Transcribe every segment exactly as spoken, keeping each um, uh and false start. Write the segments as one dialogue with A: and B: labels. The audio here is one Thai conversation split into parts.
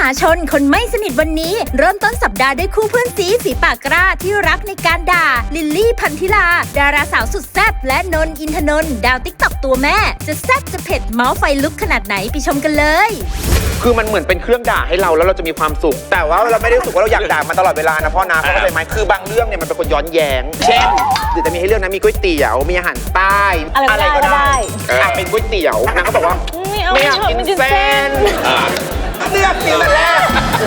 A: าชนคนไม่สนิทวันนี้เริ่มต้นสัปดาห์ด้วยคู่เพื่อนซีฝีปากกล้าที่รักในการด่าลิลลี่พันธิลาดาราสาวสุดแซ่บและนนท์อินทนนท์ดาวติ๊กต็อกตัวแม่จะแซ่บจะเผ็ดเมาส์ไฟลุกขนาดไหนไปชมกันเลย
B: คือมันเหมือนเป็นเครื่องด่าให้เราแล้วเราจะมีความสุขแต่ว่าเราไม่ได้รู้สึกว่าเราอยากด่ามันตลอดเวลานะพ่อนะเข้าใจไหมคือบางเรื่องเนี่ยมันเป็นคนย้อนแย้งเช่นเดี๋ยวจะมีให้เรื่องนะมีก๋วยเตี๋ยวมีอาหารใต้อะไรก็ได้อ่ะเป็นก๋วยเตี๋ยวนางก็บอกว่าไม่อยากกินเส้นเลือกกินแต่แรก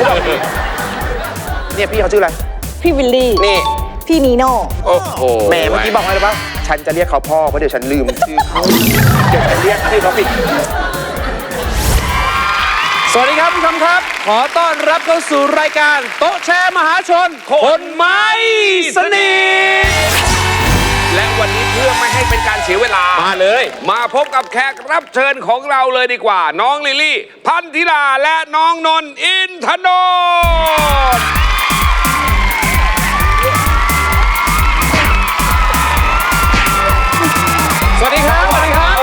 B: เนี่ยพี่เขาชื่ออะไร
C: พี่วิลลี่
B: นี่
C: พี่นีโน่
B: โอ้โหแหมเมื่อกี้บอกไว้เลยว่าฉันจะเรียกเขาพ่อเพราะเดี๋ยวฉันลืมชื่อเขาเดี๋ยวฉันเรียกชื่อเขาผิด
D: สวัสดีครับผู้ชมครับขอต้อนรับเข้าสู่รายการโต๊ะแชร์มหาชนคนไม่สนิทและวันนี้เพื่อไม่ให้เป็นการเสียเวลามาเลยมาพบกับแขกรับเชิญของเราเลยดีกว่าน้องลิลลี่พันธิลาและน้องนนท์อินทนนท์สวัสดีครับสวัสดีครับ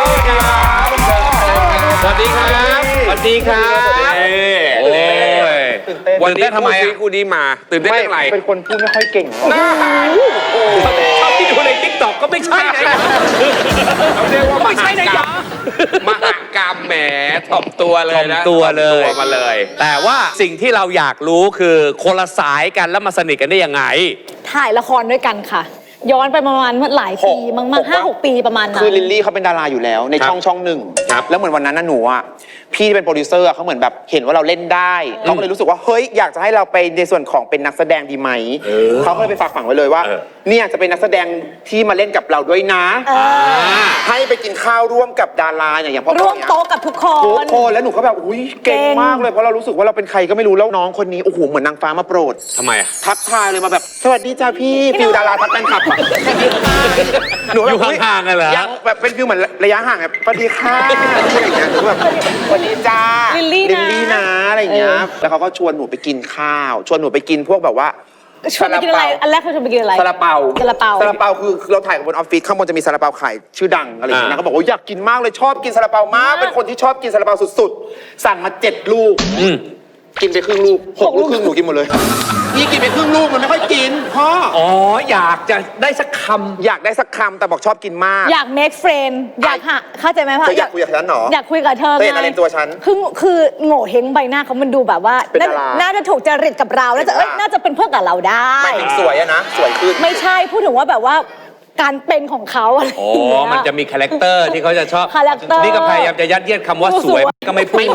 D: สวัสดีครับสวัสดีครับโอ้ยวันนี้ทำไมคู่นี้มาตื่นเต้นเรื่องอะไร
B: เป็นคนพูดไม่ค่อยเก่ง
D: น่าชอบที่ดูในติ๊กต็อกก็ไม่ใช่นะเขาเรียกว่าไม่ใช่นะยามหากรรมแหมถ่อมตัวเลยนะ
E: ตัวเลย
D: มาเลย
E: แต่ว่าสิ่งที่เราอยากรู้คือคนละสายกันแล้วมาสนิทกันได้ยังไง
C: ถ่ายละครด้วยกันค่ะย้อนไปประมาณหลายปีมากๆห้าหกปีประมาณนั้น
B: คือลิลลี่เขาเป็นดาราอยู่แล้วในช่องช่องหนึ่งแล้วเหมือนวันนั้นน่ะหนูอ่ะพี่เป็นโปรดิวเซอร์เขาเหมือนแบบเห็นว่าเราเล่นได้เขาก็เลยรู้สึกว่าเฮ้ยอยากจะให้เราไปในส่วนของเป็นนักแสดงดีไหมเขาก็เลยไปฝากฝังไว้เลยว่าเนี่ยจะเป็นนักแสดงที่มาเล่นกับเราด้วยนะให้ไปกินข้าวร่วมกับดาราอย่างอย่างพ่อ
C: ร่วมโต๊ะกับทุกคน
B: ทุกคนแล้วหนูก็แบบอุ้ยเก่งมากเลยเพราะเรารู้สึกว่าเราเป็นใครก็ไม่รู้แล้วน้องคนนี้โอ้โหเหมือนนางฟ้ามาโปรด
D: ทำไมอะ
B: ทักทายเลยมาแบบสวัสดีจ้าพี่ฟิวดาราทักแฟนคลับ
E: หนูอยู่ห่างๆกันเหรอ
B: ยังแบบเป็นฟิวเหมือนระยะห่างแบบสวัสดีค่ะอะไรอย่างเงี้ยหนูแบบสวัสดีจ้า
C: ลิลลี่
B: นะอะไรอย่างเงี้ยแล้วเขาก็ชวนหนูไปกินข้าวชวนหนูไปกินพวกแบบว่า
C: ชวนไปกินอะไรอันแรกเขาชวนไปกินอะไร
B: ซาลาเปา
C: ซาลาเปา
B: ซาลาเปาคือเราถ่ายกับบนออฟฟิศข้างบนจะมีซาลาเปาขายชื่อดังอะไรอย่างเงี้ยเขาบอกว่าอยากกินมากเลยชอบกินซาลาเปามากเป็นคนที่ชอบกินซาลาเปาสุดๆสั่งมาเจ็ดลูกกินไปครึ่งลูกหกลูกครึ่งหนูกินหมดเลยนี่กินไปครึ่งลูกมันไม่ค่อยกินพ่อ
E: อ๋ออยากจะได้สักคำ
B: อยากได้สักคำแต่บอกชอบกินมาก
C: อยาก make friend อยากหาเข้าใจไหมพ่อ
B: อยากคุยกับฉันหรอ
C: อยากคุยกับเธอไง
B: เป็นอะไรตัวฉัน
C: คือคือโง่เฮงใบหน้าเขามันดูแบบว่าน่าจะถูกจริตกับเราน่าจะเอ้ยน่าจะเป็นเพื่อนกับเราได้
B: ไม่ถึงสวยอะนะสวยขึ้น
C: ไม่ใช่พูดถึงว่าแบบว่าการเป็นของเขาอะไร
E: อ๋อมันจะมีคาแรคเตอร์ที่เขาจะชอบนี่ก็พยายามจะยัดเยียดคำว่าสวยก็ไม่พูด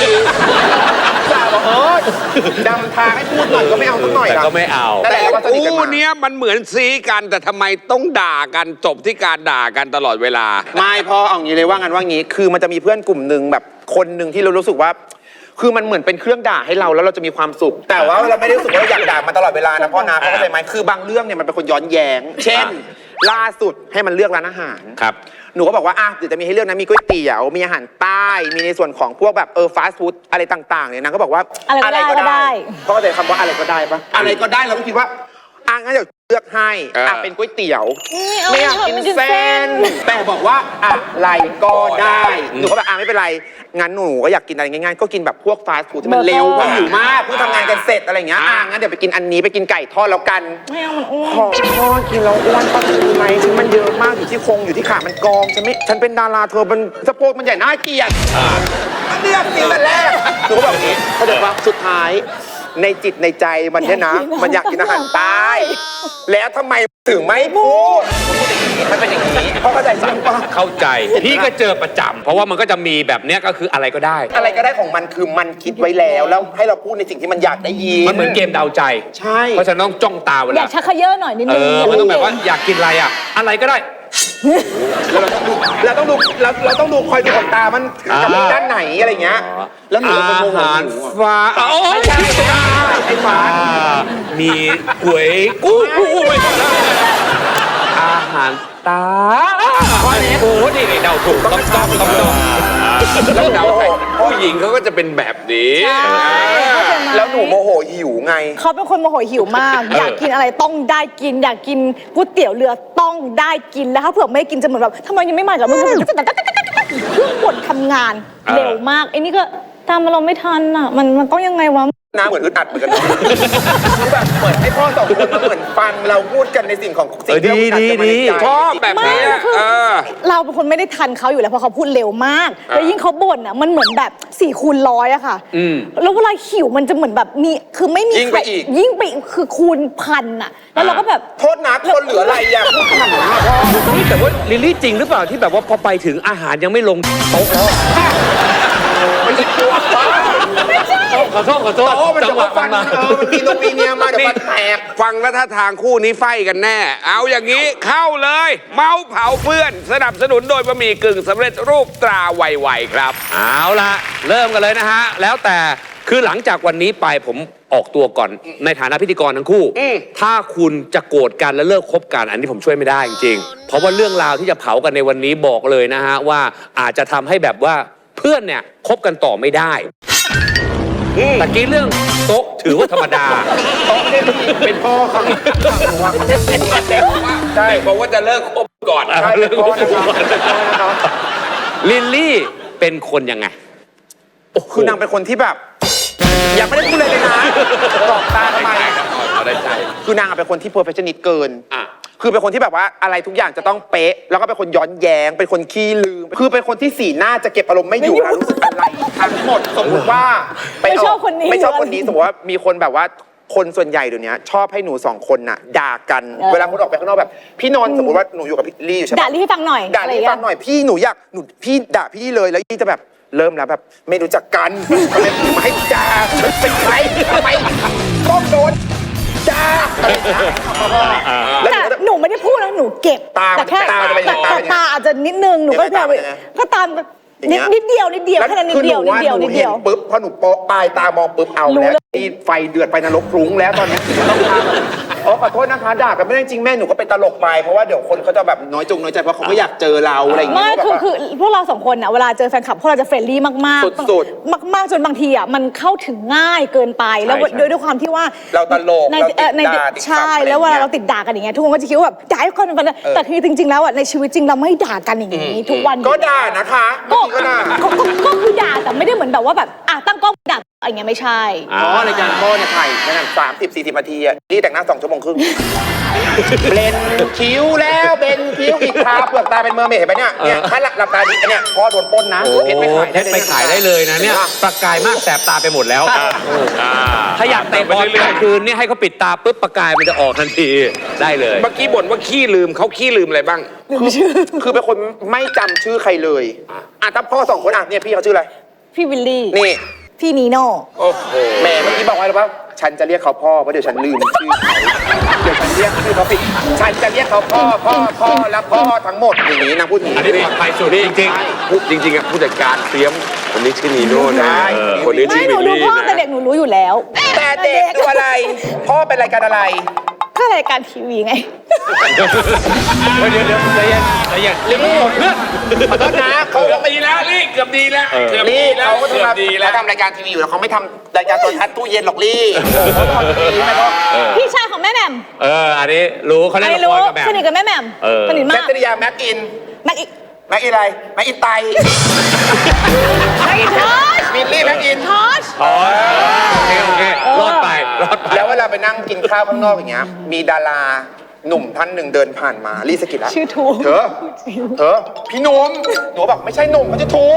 B: เออดำทางให้พูดหน่อยก็ไม่เอาสักหน่อย
E: แต่ก็ไม่เอา
D: แต่คู่นี้มันเหมือนซีกันแต่ทำไมต้องด่ากันจบที่การด่ากันตลอดเวลา
B: ไม่พอเอางี้เลยว่างันว่างี้คือมันจะมีเพื่อนกลุ่มหนึ่งแบบคนหนึ่งที่เรารู้สึกว่าคือมันเหมือนเป็นเครื่องด่าให้เราแล้วเราจะมีความสุขแต่ว่าเราไม่ได้รู้สึกว่าเราอยากด่ามันตลอดเวลานะพ่อนะเข้าใจไหมคือบางเรื่องเนี่ยมันเป็นคนย้อนแย้งเช่นล่าสุดให้มันเลือกร้านอาหาร
E: ครับ
B: หนูก็บอกว่าอ่ะเดี๋ยวจะมีให้เลือกนะมีก๋วยเตี๋ยวมีอาหารใต้มีในส่วนของพวกแบบเออฟาสต์ฟู้ดอะไรต่างๆเนี่ยนางก็บอกว่า
C: อะไรก็ได้
B: เพราะเข้าใจคำว่าอะไรก็ได้ปะอะไรก็ได้เราก็คิดว่าอ่ะงั้นเดี๋ยวเลือกให้อ่ะเป็นก๋วยเตี๋ยวไม่อยากกินเส้นแต่บอกว่าอะไรก็ได้หนูก็แบบอ่ะไม่เป็นไรงั้นหนูก็อยากกินอะไรง่ายๆก็กินแบบพวกฟาสต์ฟู้ดที่มันเร็วเพราะหิวมากเพิ่งทำงานกันเสร็จอะไรอย่างเงี้ยอ่ะงั้นเดี๋ยวไปกินอันนี้ไปกินไก่ทอดแล้วกัน
C: ไม่เอามันอ้วน
B: พ่อกินแล้วอ้วนป้าดูไหมถึงมันเยอะมากอยู่ที่โครงอยู่ที่ขามันกองฉันไม่ฉันเป็นดาราเธอมันสะโพกมันใหญ่น่าเกลียดเลือกกินแต่แรกหนูก็แบบนี้เขาบอกว่าสุดท้ายในจิตในใจมันเนี่ยนะมันอยากกินอาหารใต้แล้วทำไมถึงไม่พูดมันเป็นอย่างนี้เพราะเข้าใจสังปะ
E: เข้าใจพี่ก็เจอประจำเพราะว่ามันก็จะมีแบบเนี้ยก็คืออะไรก็ได้
B: อะไรก็ได้ของมันคือมันคิดไว้แล้วแล้วให้เราพูดในสิ่งที่มันอยากได้ยิน
E: มันเหมือนเกมเดาใจ
B: ใช่
E: เพราะฉะนั้นต้องจ้องตาเวลา
C: อยากชักเขย่อหน่อยนิดนึง
E: เออมันต้องแบบว่าอยากกินอะไรอ่ะอะไรก็ได้
B: เราต้องดูเราต้องดูเราเราต้องดูคอยดูขนตามันกับด้านไหนอะไรเงี้ยแล้วหนูก็โมโหหนู
E: ฟ้าโอ้ย
B: ไอ้ฟ้า
E: มีหวยกู้ไม่ได้อาหารตาโอ้โหนี่เดาถูกต้องต้องต้อง
D: แล้วเดาใครผู้หญิงเขาก็จะเป็นแบบนี้
B: แล้วหนูโมโหหิวไง
C: เขาเป็นคนโมโหหิวมากอยากกินอะไรต้องได้กินอยากกินก๋วยเตี๋ยวเรือต้องได้กินแล้วถ้าเผื่อไม่กินจะเหมือนแบบทำไมยังไม่มากับมึงเครื่องบดทำงานเร็วมากไอ้นี่ก็ตามอารมณ์ไม่ทันอ่ะ มันมันต้องยังไงวะ
B: น้าเหมือนอึดอัดเหมือนกันเนาะคือแบบเหมือนให้พ่อสองคนมาเหมือนฟังเราพูดกันในสิ่งของสิ่งที่เราพูดกันจะมาในใจ
D: ชอบแบบนี้
C: ไม่คือ
D: เออ
C: เราเป็นคนไม่ได้ทันเขาอยู่แล้วเพราะเขาพูดเร็วมาก แล้วยิ่งเขาบ่นอ่ะมันเหมือนแบบสี่คูณร้อยอะค่ะ
D: อืม
C: แล้วเวลาหิวมันจะเหมือนแบบมีคือไม่มี
B: ยิ่งไป
C: ใคร
B: อีก
C: ยิ่งไปอีกคือคูณพันอะแล้วเราก็แบบ
B: โทษนะคนเหลืออะไรอ่ะพูดขนาดนั้นอะพ่อ
E: นี่แต่ว่าลิลลี่จริงหรือเปล่าที่แบบว่าพอไปถึงอาหารยังไม่ลงโต๊ะแล้วอะ
B: มันจะกลัวป้า
E: ขอโทษขอโทษ
B: โอ้มัน
E: จั
B: จะ
E: งหวะ
B: มา
E: มั
B: ฟั
E: น
B: น
E: มา
B: เออมันกินตรงปีเนี้ยมาเดี๋ยวมันแตก
D: ฟังแล้วถ้าทางคู่นี้ไฟกันแน่ เอาอย่างนี้เข้าเลย เมาส์เผาเพื่อน สนับสนุนโดยบะหมี่กึ่งสำเร็จรูปตราไวๆครับ
E: เอาละเริ่มกันเลยนะฮะ แล้วแต่คือหลังจากวันนี้ไปผมออกตัวก่อนในฐานะพิธีกรทั้งคู่
D: อืม
E: ถ้าคุณจะโกรธกันและเลิกคบกันอันนี้ผมช่วยไม่ได้จริงๆ เพราะว่าเรื่องราวที่จะเผากันในวันนี้บอกเลยนะฮะว่าอาจจะทำให้แบบว่าเพื่อนเนี่ยคบกันต่อไม่ได้ตะกี้เรื่องโต๊ะถือว่าธรรมดา
B: เป็นพ่อเขาใช่
D: บอกว่าจะเลิกคบก่อน
B: ใช่เป็นพ่อนะครับเป็นพ่อนะครับ
E: ลิลลี่เป็นคนยังไง
B: คือนางเป็นคนที่แบบยังไม่ได้พูดเลยเลยนะตอบตาทำไม
D: เอาได้ใจ
B: คือนางเป็นคนที่ perfectionist เกิน
D: อ่ะ
B: คือเป็นคนที่แบบว่าอะไรทุกอย่างจะต้องเป๊ะ แล้วก็เป็นคนย้อนแย้ง เป็นคนขี้ลืม คือเป็นคนที่สีหน้าจะเก็บอารมณ์ไม่อยู่แล้วรู้สึกอะไรทั้งหมด สมมติว่าป
C: ไม่ชอบ
B: ก
C: คนนี้
B: ไม่ชอบคนนี้ สมมติว่ามีคนแบบว่าคนส่วนใหญ่เดี๋ยวนี้ชอบให้หนูสองคนน่ะด่ากัน
C: เออ
B: เวลาคนออกไปข้างนอกแบบ พี่นนท์สมมติว่าหนูอยู่กับพี่ลี่อยู่ใช่ไหม
C: ด่าลี่ให้ฟังหน่อย
B: ด่าลี่ให้ฟังหน่อยพี่หนูอยากหนูพี่ด่าพี่เลยแล้วลี่จะแบบเริ่มแล้วแบบไม่รู้จักกันทำไมถึงมาให้ด่าฉันเป็นใครทำไมต้องโดนด่าอะไรอย่างเงี้ยแล้วหนู
C: แต่
B: ก็จะ
C: หนูไม่ได้พูดนะหนูเก็บ
B: ตา
C: แต่แค่
B: ตาจะเป็น
C: แต่
B: ตา
C: แต่
B: เป็น
C: ตาอาจจะนิดนึงหนูก็
B: ยังไง
C: พยายาม
B: ตาเป็นยังไง
C: ก็ตามแบบ
B: อย่าง
C: นิด
B: เงี้ย
C: นิดเดียวนิดเดียวแค่นั้นนิดเดียวนิดเดียวนิดเดียว
B: หห็ปุ๊บพอหนูโปะปลายตามองปุ๊บเอา
C: รู้
B: แล้ว
C: เลย
B: นี่ไฟเดือดไปนรกพรุ้งแล้วตอนนี้ต้องทำอ๋อขอโทษนะคะด่ากันไม่ได้จริงแม่หนูก็เป็นตลกไปเพราะว่าเดี๋ยวคนเขาจะแบบน้อยจงน้อยใจเพราะเขาก็อยากเจอเราอะไรอย่างเงี้
C: ไม่
B: ย
C: คือคือพวกเราสองคนอ่ะเวลาเจอแฟนคลับพวกเราจะเฟรนลี่มากๆ
B: สุด
C: มากมากๆจนบางทีอ่ะมันเข้าถึงง่ายเกินไปแล้ว
B: ใช่ใช่
C: ด้วยด้วยความที่ว่า
B: เราตลก
C: ใน
B: เราติด
C: เอ่อใน
B: ด่าติดขำ
C: ใช่
B: อะไรอย่างเงี้ย
C: แล้วเวลาเราติดด่ากันอย่างเงี้ยทุกคนก็จะคิดว่าแบบด่าให้คนเป็นแต่คือจริง ๆ แล้วอ่ะในชีวิตจริงเราไม่ด่ากันอย่างนี้ทุกวัน
B: ก็ด่านะคะ
C: ก็
B: ก็ด่า
C: ก็ก็ก็คือด่าแต่ไม่ได้เหมือนแบบว่าแบบอ่ะตั้งกล้องด่าอะไรเงี้ยไม่ใช่
B: อ๋อรายการพ่อเนี่ยถ่ายนั่นสามสิบสี่สิบนาทีอะนี่แต่งหน้าสองชั่วโมงครึ่งเบลนคิ้วแล้วเบนคิ้วอีกทาเปลือกตาเป็นเมอร์เมดเห็นไหมเนี่ยเนี่ยถ้าหลับตาดิเนี่ยพ่อโดนปล้นนะ
E: โอ้
B: เพชรไปขาย
E: เพชรไปขายได้เลยนะเนี่ยประกายมากแสบตาไปหมดแล้วถ้าอยากเตะบอลกลางคืนเนี่ยให้เขาปิดตาปุ๊บประกายมันจะออกทันทีได้เลย
D: เมื่อกี้บ่นว่าขี้ลืมเขาขี้ลืมอะไรบ้าง
B: คือเป็นคนไม่จำชื่อใครเลยอ่ะถ้าพ่อสองคนอ่ะเนี่ยพี่เขาชื่ออะไร
C: พี่วิลลี่
B: นี่
C: พี่นีโน่
D: โอ้โห
B: แม่เมื่อกี้บอกไว้แล้วว่าฉันจะเรียกเขาพ่อเพราะเดี๋ยวฉันลืมชื่อเขาเดี๋ยวฉันเรียกชื่อเขาผิดฉันจะเรียกเขาพ่อพ่อพ่อและพ่อทั้งหมดอย่างนี้นางพูดอย่าง
E: อัน
B: นี้
E: นี้ปลอดภัยสุดจริง
D: พูดจริงๆอะผู้จัดการเตรียมคนนี้ชื่อนีโน่นะ
B: ใช่
D: เออคนนี้
C: ไม่
D: ชื่อ
C: หนู
D: ลิล
C: ดู
D: ลี่
C: พ่อแต่
D: นะ
C: เด็กหนูรู้อยู่แล้ว
B: แต่เด็กดูอะไร พ่อเป็นรายการอะไร
C: ก็รายการทีวีไง
E: ๆเดี๋ยวเดี๋ยวเดี๋ยวใจเย็นใจเย็นเรียกไม่หมดเพื่อน
B: ขอโทษนะเขา
D: เกือบดีแล้วลี่เกือบดีแล้วเกือบดี
B: ลี่
D: แล้ว
B: เขาก็
D: เกือบ
B: ทำ
D: ดีแล้ว
B: เขาทำรายการทีวีอยู่แล้วเขาไม่ทำรายการโทรทัศน์ตู้เย็นหรอกลี่เขาทำทีวีไม่ก็
C: พี่ชายของแม่แหม่ม
E: เอออันนี้รู้เขา
C: ใค
E: เล่
C: ร
E: นละ
C: รู้
E: ครกับแบบ
C: สนิทกับแม่แหม่ม
E: เออ
C: สนิท
B: แค
C: มาก
B: ทริยาแม็กอิน
C: แม็กอีก
B: แม็กอินอะไรแม็กอินไต
C: แม็กอีกทอช
B: มิลลี่แม็กอิน
C: ทอช
E: อ๋อโอเคโอเครอดไปรอดไป
B: แล้วเวลาไปนั่งกินข้าวข้างนอกอย่างเงี้ยมีดาราหนุ่มท่านหนึ่งเดินผ่านมาลี่สะกิดละ
C: ชื่อทู
B: เธอเธอพี่หนุ่มหนูบอกไม่ใช่หนุ่มเขาจะทู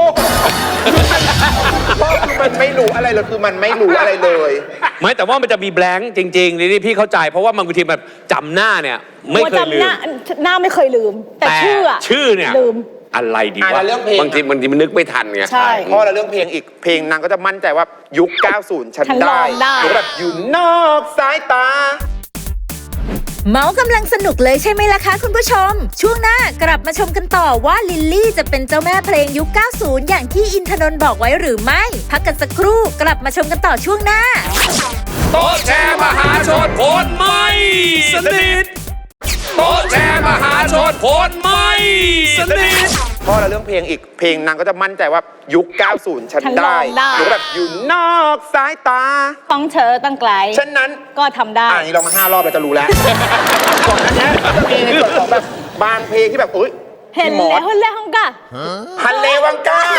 B: พ่อคือมันไม่รู้อะไรเลยคือมันไม่รู้อะไรเลย
E: ไม่แต่ว่ามันจะมีแบงค์จริงๆนี่พี่เข้าใจเพราะว่าบางทีแบบจำหน้าเนี่ยไม่เคยลื
C: จำห
E: ม
C: น้าหน้าไม่เคยลืม แต่ชื่ออะ
E: ชื่อเนี่ย
C: ลืม
E: อะไรดี
B: อ่ะ
E: วะ
B: แล้วเรื่องเพลง
D: บางทีบางทีมันนึกไม่ทันไง
C: ใช่
B: พ่อเราเรื่องเพลงอีกเพลงนางก็จะมั่นใจว่ายุค เก้าสิบ ฉัน
C: ฉัน
B: ได้
C: ร้องได้
B: หนูแบบอยู่นอกสายตา
A: เมาส์กำลังสนุกเลยใช่ไหมล่ะคะคุณผู้ชม ช่วงหน้ากลับมาชมกันต่อว่าลิลลี่จะเป็นเจ้าแม่เพลงยุค เก้าสิบ อย่างที่อินทนนท์บอกไว้หรือไม่ พักกันสักครู่กลับมาชมกันต่อช่วงหน้า
D: โต๊ะแชร์มหาชนคนไม่สนิทโต๊ะแชร์มหาชนคนไม่สนิท
B: พ่อเราเรื่องเพลงอีกเพลงนางก็จะมั่นใจว่ายุค เก้าสิบ ฉัน
C: ฉันร้
B: ได้
C: องได้
B: หนูแบบอยู่นอกสายตา
C: ต้องเธอตั้งไกล
B: ฉะนั้น
C: ก็ทำได้
B: อ่านี่เรามาห้ารอบเราจะรู้แล้ว ก่อนหน้านี้ก็จะมีในส่วนของแบบบางเพลงที่แบบอุ้ย
C: เห็น
B: พี่มอ
C: แล้
B: ส
C: วเห็นแล้วกะ
B: ฮันเลวังกา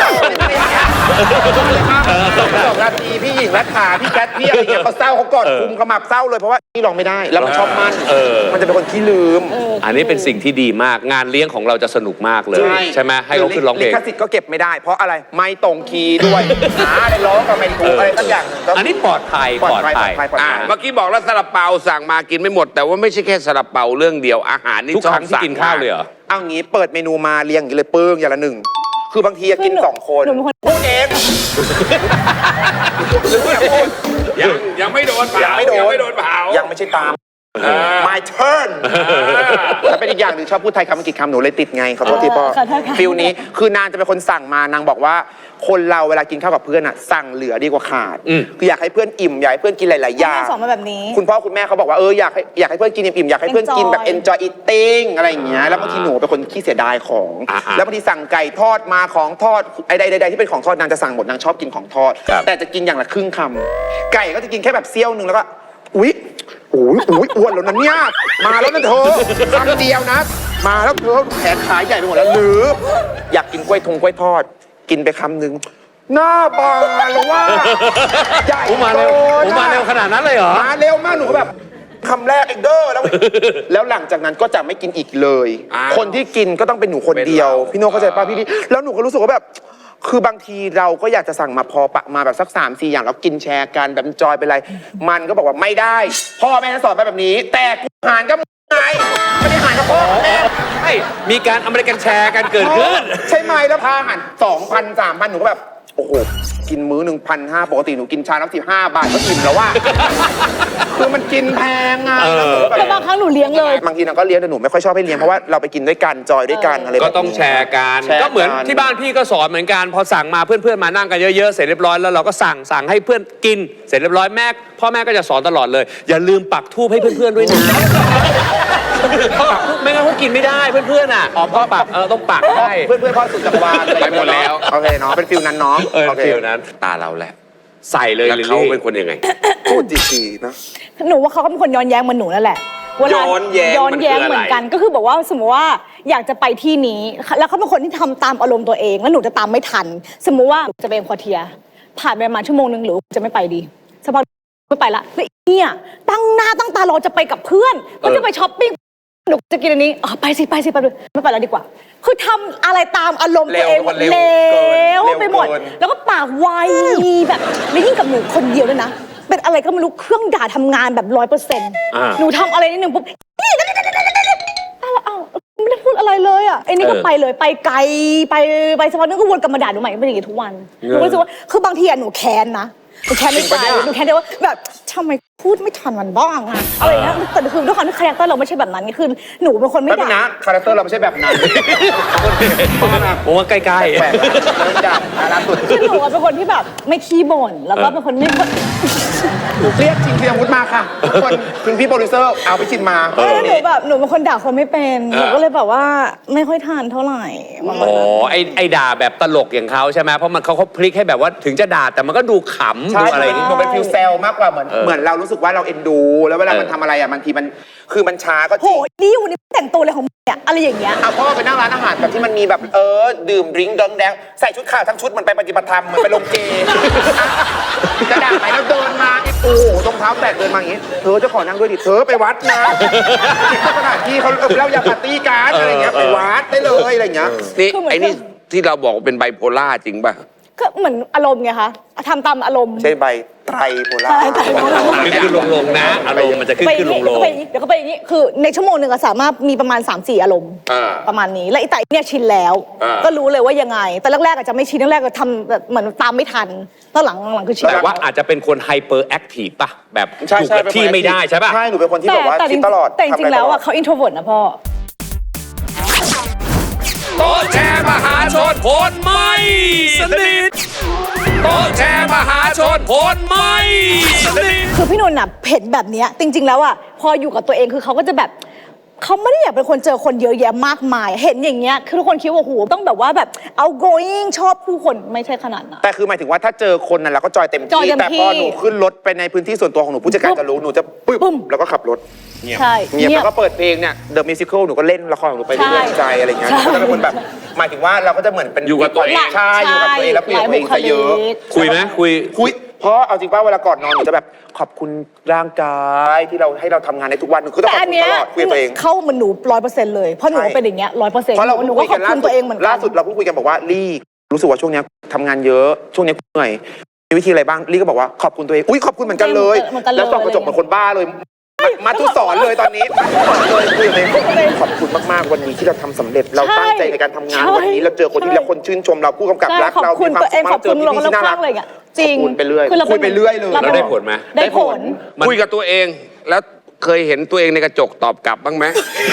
B: สองนาทีพี่หญิงรัฐาพี่แคทพี่อะไรเงี้ยเขาเศร้าเขากอดคุมขมับเศร้าเลยเพราะว่านี่ร้องไม่ได้แล้วมันชอบมัน
E: เออ
B: มันจะเป็นคนขี้ลืม
E: อันนี้เป็นสิ่งที่ดีมากงานเลี้ยงของเราจะสนุกมากเลย ใช่ไหมให้เขาขึ้นร้องเพลง
B: ลิขสิทธิ์ก็เก็บไม่ได้ เพราะอะไรไม่ตรงคีย์ด้วยหาอะไรร้องก็ไม่ถูกอะไรสักอย่างก็
E: อันนี้ปลอดภัย
B: ปลอดภัยปลอดภัยปลอด
D: อ่า
B: ภัย
D: เมื่อกี้บอกแล้วซาลาเปาสั่งมากินไม่หมด แต่ว่าไม่ใช่แค่ซาลาเปาเรื่องเดียวอาหารนี่
E: ทุกครั้งที่กินข้าวเลยเหรอ
B: เอางี้เปิดเมนูมาเรียงอย่างนี้เลยปึ้งอย่างละหนึ่งคือบางทีอะกินสองคน
C: หนูเป็นคน
B: พูดเองหรืออย่าพูด
D: ยังยังไม่โดนเผา
B: ยังไม่โดน
D: ยังไม่โดนเผา
B: ยังไม่ใช่ตาม my turn แล้วเป็นอีกอย่างหนึ่งชอบพูดไทยคำอังกฤษคำหนูเลยติดไงขอโทษทีพ่อ
C: ขอโทษค่ะ
B: ฟิลนี้คือนางจะเป็นคนสั่งมานางบอกว่าคนเราเวลากินข้าวกับเพื่อนอะสั่งเหลือดีกว่าขาด
E: อืม
B: คืออยากให้เพื่อนอิ่มอยากให้เพื่อนกินหลายๆอย่าง
C: แม่สอนมาแบบนี้
B: คุณพ่อคุณแม่เขาบอกว่าเอออยากให้อยากให้เพื่อนกินอิ่มๆอยากให้เพื่อนกินแบบ enjoy eating อะไรอย่างเงี้ยแล้วบางทีหนูเป็นคนขี้เสียดายของ
E: อ่าๆ
B: แล้วบางทีสั่งไก่ทอดมาของทอดไอ้ใดๆที่เป็นของทอดนางจะสั่งหมดนางชอบกินของทอด
E: ครับ
B: แต่จะกินอย่างละครึ่งคำไก่ก็จะกินแค่แบบเสี้ยวหนึ่งแล้วก็อุ๊ยอุ๊ยอุ๊ยอ้วนแล้วนะเนี่ยมาแล้วนะเธอคำเดียวนะ มาแล้วเธอแขนขาใหญ่ไปหมดแล้วหรืออยากกินกล้วยทงกล้วยทอด กินไปคำหนึ่งหน้าบานแล้วว่าใหญ่
E: อูมาเร็ว
B: โต
E: อู
B: นะ
E: มาเร็วขนาดนั้นเลยเหรอ
B: มาเร็วมากหนูก็แบบคำแรกเองเด้อแล้ว แล้วหลังจากนั้นก็จะไม่กินอีกเลย
D: อ้าว
B: คนที่กินก็ต้องเป็นหนูคนเดียว
D: เป็นเรา
B: พี่โน้เข้าใจป่ะพี่พี่แล้วหนูก็รู้สึกว่าแบบ คือบางทีเราก็อยากจะสั่งมาพอปะมาแบบสักสามสี่อย่างแล้วกินแชร์กันแบบจอยไปเลย มันก็บอกว่าไม่ได้ พ่อแม่สอนไปแบบนี้ แต่กูหารก็ไงไม่ได้หารกับพ่อแม่
E: ใช่มีการอเมริกันแชร์กันเกิดขึ้น
B: ใช่ไหมแล้วพาหันสองพันสามพันหนูก็แบบ โอ้โห กินมื้อหนึ่งพันห้าปกติหนูกินชาน้ำสิบห้าบาทก็อิ่มแล้วว่า คือมันกินแพงไงแล้วหนูก็
C: แต่
B: แบบ
C: บางครั้งหนูเลี้ยงเลย
B: บางทีนางก็เลี้ยงแต่หนูไม่ค่อยชอบให้เลี้ยงเพราะว่าเราไปกินด้วยกันจอยด้วยกันอะไรแบบ
E: ก็
B: นี้
E: ต้องแชร์กัน
B: แชร์
E: ก็เหมือนที่บ้านพี่ก็สอนเหมือนกัน พอสั่งมาเพื่อนๆมานั่งกันเยอะๆ เสร็จเรียบร้อยแล้วเราก็สั่งสั่งให้เพื่อนกิน เสร็จเรียบร้อยแม่พ่อแม่ก็จะสอนตลอดเลย อย่าลืมปักทูบให้เพื่อนๆด้วยนะปักธูปไม่งั้นเขากินไม่ได้เพื่อนๆอ่ะอ๋อพ่อปักเออต้องปักให้
B: เพื่อนเพื่อนๆพ่อสุดจักรวาล
D: ไปหมดแล้ว
B: โอเคเนาะเป็นฟิลนั้นเนาะ
E: เออ
B: โอเค
E: ฟิลนั้น
D: ตาเราแหละ
E: ใส่เลย
D: แล้ว
E: ลิล
D: เขา
E: ลี่
D: เป็นคนยังไง
B: พูดดีๆนะ
C: หนูว่าเขาก็เป็นคนย้อนแย้งเหมือนหนูนั่นแหละเวลา
D: ย้อนแย้ง
C: ย้อนแย้ง
D: มันคืออะไร
C: เหมือนกัน ก็คือบอกว่าสมมติว่าอยากจะไปที่นี้ แล้วเขาเป็นคนที่ทำตามอารมณ์ตัวเอง แล้วหนูจะตามไม่ทัน สมมุติว่าจะไปเอ็มควอเทีย ผ่านไปประมาณชั่วโมงนึงหรือจะไม่ไปดีสักพักไม่ไปละแล้วไอ้เนี่ยตั้งหน้าตั้งตารอจะไปกับเพื่อนก็จะไปช้อปปิ้งหนูจะกินอันนี้อ๋อไปสิไปสิไปเลยไม่ไปแล้วดีกว่า คือทำอะไรตามอารมณ์ตัวเอง
B: เร็วเร็ว
C: เร็ว
B: เกิน
C: ไปหมด
B: เร็วเกิน
C: แล้วก็ปากไวแบบแล้วยิ่งกับหนูคนเดียวด้วยนะ เป็นอะไรก็ไม่รู้เครื่องด่าทำงานแบบร้อยเปอร์เซ็นต์
E: อ่า
C: หนูทำอะไรนิดนึงปุ๊บนี่อ้าวอ้าวไม่ได้พูดอะไรเลยอ่ะไอ้นี่ก็ไปเลยไปไกลไปไปสักพักนึงก็วนกลับมาด่าหนูใหม่เป็นอย่างงี้ทุกวันหนูก็รู้สึกว่าคือบางทีอะหนูแค้นนะหนูแค้นในใจหนูแค้นได้ว่าแบบทำไมพูดไม่ทันมันบ้างอะอะไรอย่างเงี้ยแต่คือด้วยความที่คาแรคเตอร์เราไม่ใช่แบบนั้นไงคือหนูเป็นคนไม่
B: ไม่เป็น
C: ด่า
B: นะคาแรคเตอร์เราไม่ใช่แบบนั้น
E: ผมว่าใกล้
B: แปลกๆเริ่มดับล่าสุด
C: คือหนูอะเป็นคนที่แบบไม่ขี้บ่นแล้วก็เป็นคนไม่ค่อย
B: หนูเครียดชิงเทียมวุฒิมาค่ะทุกคนคุณพี่โปรดิวเซอร์เอาไปชิมมา
C: เออหนูแบบหนูเป็นคนด่าคนไม่เป็นหนูก็เลยแบบว่าไม่ค่อยทานเท่าไหร่ประ
E: ๆ
C: มา
E: อ๋
C: ณ
E: อ
C: นั้น
E: ไอไอด่าแบบตลกอย่างเขาใช่ไหมเพราะมันเขาเขาพลิกให้แบบว่าถึงจะด่าแต่มันก็ดูขำ
B: ใช่
E: ดูอะไรอย่าง
B: ห
E: งี้
B: นูเป็นฟิลเซลมากกว่าเหมือน
E: เออ
B: เหมือนเรารู้สึกว่าเราเอ็นดู แล้วเวลา
E: เออ
B: มันทำอะไรอ่ะบางทีมันคือมันช้าก็จ
C: โห
B: ริง
C: นี่วันนี้แต่งตัวอะไรของมึงเนี่ยอะไรอย่างเงี้ย
B: เอาพ่อไปนั่งร้านอาหารแบบที่มันมีแบบเออดื่มดริงก์ดองแดงใส่ชุดขาวทั้งชุดเหมันไปปฏิบัติธรรมเหมือนไปลงเจจะด่าไหนแล้วเดินมาโอ้โหรองเท้าแตะเดินมาอย่างงี้เธอจะขอนั่งด้วยดิเธอไปวัดนะที่สถานที่เขาเออเล่ายาปาร์ตี้การ์ดอะไรอย่างเงี้ยไปวัดได้เลยอะไรอย่างเงี้ย
D: นี่
C: คือเหมือน
D: ไอ้นี่ที่เราบอกว่าเป็นไบโพล่าจริงป่ะ
C: ก็เหมือนอารมณ์ไงคะทำตามอารมณ์
B: ใช่ใบไตรโพล่า
C: ใช่ไตรโพล่า
E: ขึ้นขึ้นลงลงๆนะ อารมณ์มันจะขึ้น
C: ไป
E: ขึ้นลงล
C: เดี๋ยว
E: ง
C: ก็ไปอย่างนี้เดี๋ยวก็ไปอย่างนี้คือในชั่วโมงหนึ่งอะสามารถมีประมาณ สามสี่ อารมณ์
D: อ่า
C: ประมาณนี้และไอ้แต่เนี่ยชินแล้ว
D: อ่า
C: ก็รู้เลยว่ายังไง แต่แรกๆอาจจะไม่ชินแรกๆก็ทำแบบเหมือนตามไม่ทันตอนหลังหลังคือชิน
E: แต่ว่าอาจจะเป็นคนไฮเปอร์แอคทีฟป่ะ แบบ
B: ใช่
E: อยู่
B: ใช่
E: กับที่ไม่ได้ใช่ป่ะ
B: ใช่หนูเป็นคนที่
C: แต่
B: แบบว่า
C: แต่จ
B: คิ
C: ริ
B: ด
C: ง
B: ตลอด
C: แต่จริงๆแล้วอะ
B: ทำะไตลด
C: เขาอินโทรเวิร์ตนะพ่อ
D: โต๊ะแชร์มหาชนคนไม่สนิทโต๊ะแชร์มหาชนคนไม่สนิท
C: คือพี่นนท์น่ะเห็นแบบเนี้ยจริง ๆ แล้วอ่ะพออยู่กับตัวเองคือเขาก็จะแบบเขาไม่ได้อยากเป็นคนเจอคนเยอะแยะมากมาย เห็นอย่างเงี้ยคือทุกคนคิดว่าโหต้องแบบว่าแบบ outgoing ชอบผู้คนไม่ใช่ขนาดนั้น
B: แต่คือหมายถึงว่าถ้าเจอคนนั้นเราก็จอยเต็ม
C: จอย
B: ที่
C: เต็ม
B: แต่พอ
C: ที่
B: หนูขึ้นรถไปในพื้นที่ส่วนตัวของหนูผู้จัดการจะรู้หนูจะปึ๊บ
C: ปึ้ม
B: แล้วก็ขับรถ
C: ใช่
B: เงียบแล้วก็เปิดเพลงเนี่ย The Musical หนูก็เล่นละครของหนูไปเรื่อยๆใจอะไรเงี้ย
C: ใช่
B: ก็จะเป็นคนแบบหมายถึงว่าเราก็จะเหมือนเป็น
D: อยู่กับตัวเอง
B: ใช่อยู่กับตัวเองแล้วคุยกับตัวเองซะเยอะ
E: คุยไหมคุย
B: คุยเพราะเอาจริงป่ะเวลาก่อนนอนหนูจะแบบขอบคุณร่างกายที่เราให้เราทำงานในทุกวันหนูคือต้อง
C: แต่
B: ขอบ
C: อัน
B: คุณ
C: เนี้
B: ต
C: ย
B: ลอดคุยกับตัวเอง
C: เข้ามันหนูร้อยเปอร์เซ็นต์เลยเพราะหนู
B: ใช่
C: เป็นอย่างเงี้ยร้อยเปอร์เซ็นต์
B: เพราะเรา
C: หนู
B: เพิ่ง
C: ก็
B: คุย
C: ขอบ
B: กัน
C: คุณตัวเองเหมือนกัน
B: ล่าสุดเราเพิ่งคุยกันบอกว่าลี่รู้สึกว่าช่วงเนี้ยทำงานเยอะช่วงเนี้ยเหนื่อยมีวิธีอะไรบ้างลี่ก็บอกว่าขอบคุณตัวเองอุ้ยขอบคุณเหมือนกันเลย
C: เหมือนกันเลย
B: แล้วส่องกระจกเหมือนคนบ้าเลยมามาทุกสอนเลยตอนนี้มาทุกสอนเลยคุยกับตัวเองขอบคุณมากๆวันนี้ที่เราทำสำเร็จเราตั้งใจในการทำงาน
C: ใช่
B: วันนี้เราเจอคนที่
C: ใช่
B: เราคนชื่นชมเราผู้กำกับ
C: ใช่
B: รัก
C: ขอบ
B: เรา
C: คุณ
B: มีความ
C: ตัวเอง
B: สุข
C: ขอบคุณ
B: เจ
C: เรา
B: พี่ๆที่น่า
C: ข้า
B: รั
C: ง
B: ก
C: อะไรอย่างเงี้ยจริง
B: ขอบคุณไปเรื่อย
C: คือเรา
B: คุยไปเรื่อยเลย
C: รา
E: แล้วได้ผลไหม
C: ได้ผล
D: คุยกับตัวเอง แล้วเคยเห็นตัวเองในกระจกตอบกลับบ้างไหม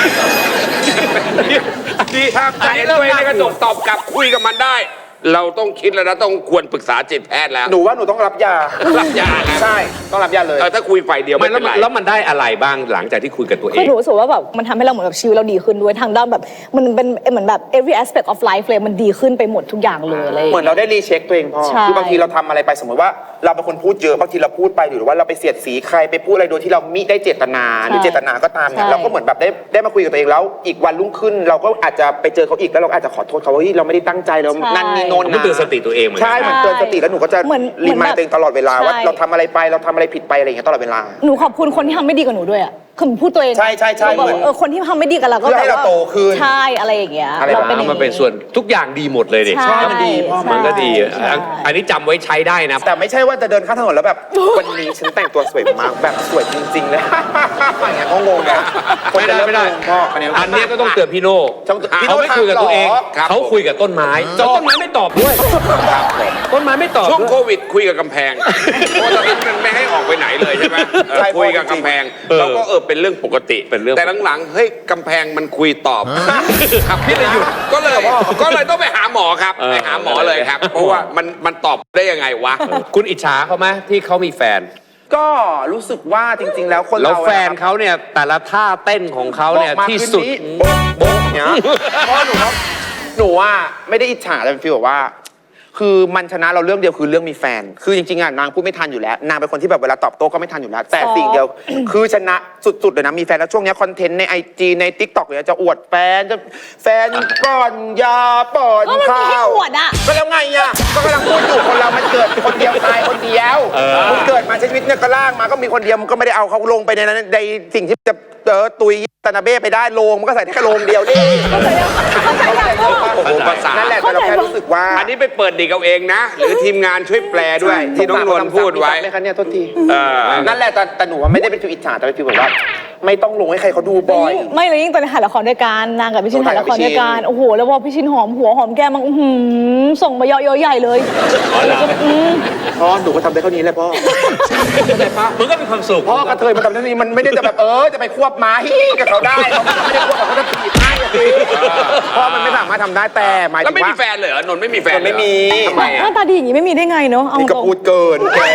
D: ดีครับเห็นตัวเองในกระจกตอบกลับคุยกับมันได้ เราต้องคิดแล้วนะต้องควรปรึกษาจิตแพทย์แล้ว
B: หนูว่าหนูต้องรับยา
D: รับยานะ
B: ใช่ต้องรับยาเลย
D: เออถ้าคุยฝ่ายเดียว
E: ไม่
D: ไม่
E: แล้ว
D: เป็น
E: มัน
D: ไร
E: แล้วมันได้อะไรบ้างหลังจากที่คุยกับตัวเอ
C: คือง หนูรู้สึกว่าแบบมันทำให้เราเหมือนแบบชีวิตเราดีขึ้นด้วยทางด้านแบบมันเป็นเหมือนแบบ every aspect of life เลยมันดีขึ้นไปหมดทุกอย่างเลยอะไรอย่าง
B: เหมือน
C: เงี้ย
B: เราได้รีเช็คตัวเองพ่อ
C: ใช่
B: คือบางทีเราทำอะไรไปสมมติว่าเราเป็นคนพูดเยอะบางทีเราพูดไปหรือว่าเราไปเสียดสีใครไปพูดอะไรโดยที่เรามิได้เจตนาหรือเจตนาก็ตามเนี่ย
C: ใช่
B: เราก็เหมือนแบบได้ได้มาคุยกับตัวเองแล้วอีกวันรุ่งขึ้น เราก็อาจจะไปเจอเขาอีกแล้วเราก็อาจจะขอโทษเขาว่าเฮ้ยเราไม่ได้ตั้งใจเรานั่นนี่โน่น
E: มัน
B: นะ
E: เตือนสติตัวเองเหมือนกั
B: ใช่เหมือนเตือนสติแล้วหนูก็จะ
C: เหมือน
B: รีมาย
C: เหมือนแบบ
B: ตัวเองตลอดเวลาว่า
C: ใช่
B: เราทำอะไรไปเราทำอะไรผิดไปอะไรอย่างเงี้ยตลอดเวลา
C: หนูขอบคุณคนที่ทำไม่ดีกับหนูด้วยอ่ะคือหนูพูดตัวเอง
B: ใช่ใช่ใช่
C: เราแบบ
B: เหมือน
C: เออคนที่ทำไม่ดีกับเราก็
B: เพื่อให้
C: แบบ
B: เรา
C: ว่า
B: โตขึ้น
C: ใช่อะไรอย่างเงี้ย
B: อะไร
C: เรา
B: แบบ
C: เป็นอย่าง
E: มันเป็นส่วนทุกอย่างดีหมดเลยเด็ก
C: ใช่
B: มันดีพ่อ
E: มันก็ดี
C: ใช่
E: อันอันนี้จำไว้ใช้ได้นะ
B: แต่ไม่ใช่ว่าจะเดินข้ามถนนแล้วแบบ วันนี้ฉันแต่งตัวสวยมากแบบสวยจริงๆเลย อย่างเงี้ยก็งงนะคน
E: ไม่
B: จะ
E: ได้
B: เริ่
E: ไม่ได้
B: งงพ่ออันนี้
E: อันเนี้ยก็ต้องเตือนพี่โน่
B: ต้องพี่โน่
E: เขาไม่คุยกับตัวเอง
B: ถามเหรอ
D: ครับ
E: เขาคุยกับต้นไม้แล้วต้นไม้ไม่ตอบด้วยต้นไม้ไม่ตอบ
D: ช่วง
E: ด้วย
D: โควิดคุยกับกำแพงเพราะตอนนั้นมันไม่ให้ออกไปไหนเลยใช่ไหมเออ
B: ใช่
D: คุยกับกำแพง
E: เออ
D: เราก็เออเป็นเรื่องปกติ
E: เป็นเรื่อง
D: แต่หลังๆเฮ้ยกำแพงมันคุยตอบครับพี่เลยหยุดก็เลยก็เลยต้องไปหาหมอครับไปหาหมอเลยครับ เพราะว่ามันมันตอบได้ยังไงวะ
E: คุณอิจฉาเขาไหมที่เขามีแฟน
B: ก็รู้สึกว่าจริง ๆ แล้วคน
E: แล้ว
B: เรา
E: แฟนเขาเนี่ยแต่ละท่าเต้นของเขาเนี่ย
B: บอกมา
E: ที่สุด
B: คืนนี้โบ๊ะโบ๊ะเนี้ยเพราะหนูว่าหนูว่าไม่ได้อิจฉาแต่เป็นฟีลแบบว่า คือมันชนะเราเรื่องเดียวคือเรื่องมีแฟน คือจริงๆอ่ะนางพูดไม่ทันอยู่แล้วนางเป็นคนที่แบบเวลาตอบโต้ก็ไม่ทันอยู่แล้ว แต่สิ่งเดียว คือชนะสุดๆเลยนะมีแฟนแล้วช่วงเนี้ยคอนเทนต์ในไอจีในทิกตอกเนี่ยจะอวดแฟนจะแฟนป้อนยาป้อน
C: ก็มันมี
B: ข้า
C: ให้
B: ว
C: อวดอะ
B: ก็แล้วไงอ่ะก็กำลังพูดอยู่คนเรามันเกิดคนเดียวตายคนเดียวมึงเกิดมาใช้ชีวิตเนี่ยก็ล่างมาก็มีคนเดียวมึงก็ไม่ได้เอาเขาลงไปในนั้นในสิ่งที่จะเออตุยตานาเบ้ไปได้โลงมันก็ใส่ได้แค่โลงเดียวนี่
C: เข้าใจยังเข้าใจยังพ่อ
D: โอ้โหภาษา
B: นั่นแหละแต่เราแค่รู้สึกว่า
D: อันนี้ไปเปิดดิกเอาเองนะ หรือทีมงานช่วยแปลด้วย ที่น้องนวลพูดไว้
B: ไหมคะเนี่ยโทษที
D: เออ
B: นั่นแหละแต่แต่หนูว่าไม่ได้เป็นฟิวอิจฉาแต่เป็นฟิวแบบว่า ไม่ต้องลงให้ใครเขาดูบ่อย
C: ไม่เลยยิ่งตอนถ่ายละครด้วยกันนางกับพี่ชินถ่ายละครด้วยกันโอ้โหแล้วพอพี่ชินหอมหัวหอมแก้มมันอื้อหือส่งมาเยอะๆใหญ่เลยแล้วก็อืม
B: พ่อหนูก็ทำได้เท่านี้แหละพ่อ
E: มันก็มีความสุข
B: พ่อกระเทยมันทำได้เท่านี้มันไม่ได้จะแบบเออจะไปควบม้าฮิกับเขาได้เขาไม่ได้ควบเขาจะถีบให้อะสิพ่อมันไม่สามารถทำได้แต่หมาย
D: แล้ว
B: ถึง
D: ไม่
B: ว่า
D: มีแฟนเลยเหรอนนท์ไม่มีแฟนเลยเหรอ
B: ไม่มี
D: ทำไม
C: ห
D: อ่ะ
C: น้าตาดีอย่างนี้ไม่มีได้ไงเนาะเอา
B: นี่ก็
C: ตรง
B: พูดเกินแก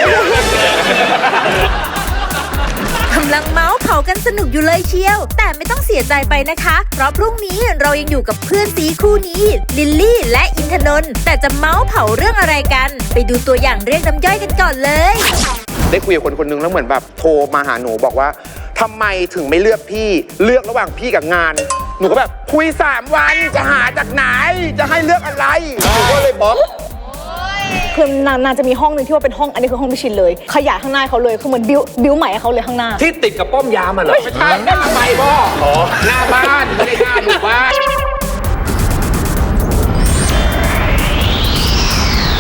A: กำลังเมาส์เผากันสนุกอยู่เลยเชียว แต่ไม่ต้องเสียใจไปนะคะ เพราะพรุ่งนี้เรายังอยู่กับเพื่อนซีคู่นี้ลิลลี่และอินทนนท์แต่จะเมาส์เผาเรื่องอะไรกัน ไปดูตัวอย่างเรียกน้ำย่อยกันก่อนเลย
B: ได้คุยกับคนคนนึงแล้วเหมือนแบบโทรมาหาหนูบอกว่าทำไมถึงไม่เลือกพี่เลือกระหว่างพี่กับงาน หนูก็แบบคุยสามวันจะหาจากไหนจะให้เลือกอะไรหนูก็เลยบล็อก
C: คือนางนางจะมีห้องหนึ่งที่ว่าเป็นห้องอันนี้คือห้องพี่ชินเลย ขยายข้างหน้าเขาเลยคือเหมือนบิวบิวใหม่ให้เขาเลยข้างหน้า
E: ที่ติดกับป้อมยามอ่ะเหรอ
B: ไม่ใช่หน้าไปพ่อหน้าบ้าน